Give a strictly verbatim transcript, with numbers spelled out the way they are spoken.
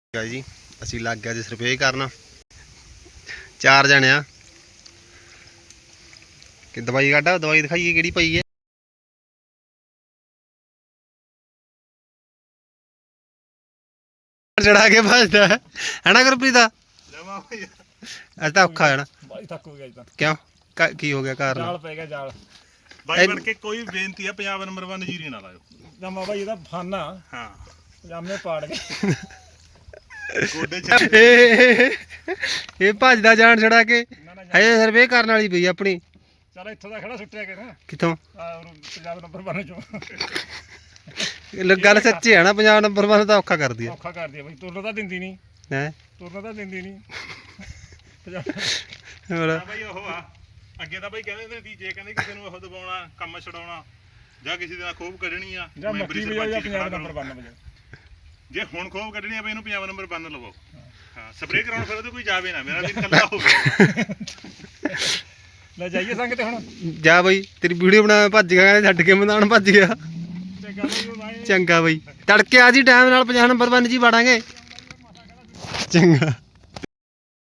जी असी लग गया जी स्प्रे करना चार जने आ कि दवाई कड्ढा दवाई दिखाइए केड़ी पई है चढ़ा के भजदा है है ना गुरप्रीत अज तो औखा है ना क्यों की हो गया कारण जाल पै गया जाल भाई बन के कोई बेनती है पंजाब नंबर वन जीरी ना लाओ जमा भाई ਇਹਦਾ ਫਾਨਾ ਹਾਂ ਪਜਾਮੇ ਪਾੜ ਗਏ ਗੋਡੇ ਚ ਇਹ ਭੱਜਦਾ ਜਾਣ ਛੜਾ ਕੇ ਹਜੇ ਸਰਵੇ ਕਰਨ ਵਾਲੀ ਪਈ ਆਪਣੀ ਚਲ ਇੱਥੋਂ ਦਾ ਖੜਾ ਸੁੱਟਿਆ ਕੇ ਨਾ ਕਿੱਥੋਂ ਪੰਜਾਬ ਨੰਬਰ वन ਚੋਂ ਗੱਲ ਸੱਚੀ ਹੈ ਨਾ ਪੰਜਾਬ ਨੰਬਰ वन ਤਾਂ ਔਖਾ ਕਰਦੀ ਹੈ ਔਖਾ ਕਰਦੀ ਹੈ ਬਈ ਤੁਰਨ ਤਾਂ ਦਿੰਦੀ ਨਹੀਂ ਹੈ ਤੁਰਨ ਤਾਂ ਦਿੰਦੀ ਨਹੀਂ ਹੋਰ ਬਈ ਉਹ ਆ ਅੱਗੇ ਤਾਂ ਬਈ ਕਹਿੰਦੇ ਸੀ ਜੇ ਕਹਿੰਦੇ ਕਿਸੇ ਨੂੰ ਉਹ ਦਬਾਉਣਾ ਕੰਮ ਛਡਾਉਣਾ ਜਾਂ ਕਿਸੇ ਦੇ ਨਾਲ ਖੋਬ ਕੱਢਣੀ ਆ ਜਾਂ ਮੱਕੀ ਵਜਾ ਜਾਂ ਪੰਜਾਬ ਨੰਬਰ वन ਵਜਾ ਜੇ ਹੁਣ ਖੋਬ ਕੱਢਣੀ ਆ ਬਈ ਇਹਨੂੰ ਪੰਜਾਬ ਨੰਬਰ वन ਲਵਾਓ ਹਾਂ ਸਪਰੇਅ ਕਰਾਉਣ ਫਿਰ ਉਹਦੇ ਕੋਈ ਜਾਵੇ ਨਾ ਮੇਰਾ ਦਿਨ ਕੱਲਾ ਹੋਵੇ ਲੈ ਜਾਈਏ ਸੰਗ ਤੇ ਹੁਣ ਜਾ ਬਈ ਤੇਰੀ ਵੀਡੀਓ ਬਣਾ ਭੱਜ ਗਿਆ ਛੱਡ ਕੇ ਮੈਦਾਨ ਭੱਜ ਗਿਆ ਚੰਗਾ ਬਈ ਤੜਕੇ ਆ ਜੀ ਟਾਈਮ ਨਾਲ ਪੰਜਾਹ ਨੰਬਰ वन ਜੀ ਵੜਾਂਗੇ ਚੰਗਾ।